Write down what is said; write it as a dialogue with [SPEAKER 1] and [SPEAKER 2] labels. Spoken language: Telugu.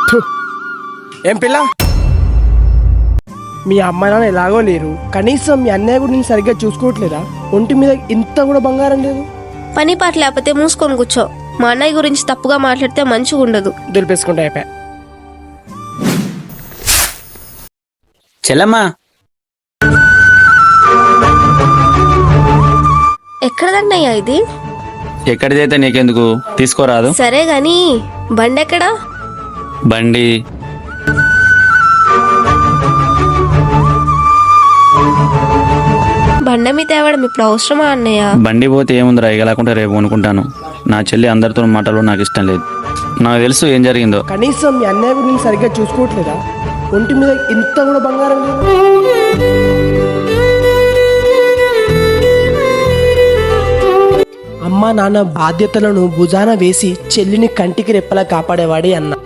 [SPEAKER 1] ఏం పిల్ల, మీ అమ్మ నాన్న ఎలాగో లేరు, కనీసం మీ అన్నయ్య కూడా నేను సరిగ్గా చూసుకోవట్లేదా? ఒంటి మీద ఇంత కూడా బంగారం లేదు.
[SPEAKER 2] పని పాట లేకపోతే మూసుకొని కూర్చో. మా అన్నయ్య గురించి తప్పుగా మాట్లాడితే మంచిగా ఉండదు.
[SPEAKER 1] దులిపేసుకుంటే అయిపోయా.
[SPEAKER 3] చెల్లమ్మా,
[SPEAKER 2] ఎక్కడదన్నయ్యా ఇది?
[SPEAKER 3] ఎక్కడిదైతే నీకెందుకు, తీసుకోరాదు.
[SPEAKER 2] సరే గాని బండి ఎక్కడా?
[SPEAKER 3] బండి
[SPEAKER 2] బండ మీద తేవడం ఇప్పుడు అవసరమా అన్నయ్య?
[SPEAKER 3] బండి పోతే ఏముందిరా, ఇగలాకుంటే రేపు కొనుక్కుంటాను. నా చెల్లి అందరితో మాటలు నాకు ఇష్టం లేదు. నాకు తెలుసు ఏం జరిగిందో.
[SPEAKER 1] కనీసం మీ అన్నయ్య కూడా నేను సరిగ్గా చూసుకోవట్లేదా? ఒంటి మీద ఇంత కూడా బంగారం లేదు. అమ్మ నాన్న బాధ్యతలను భుజాన వేసి చెల్లిని కంటికి రెప్పలా కాపాడేవాడే అన్న.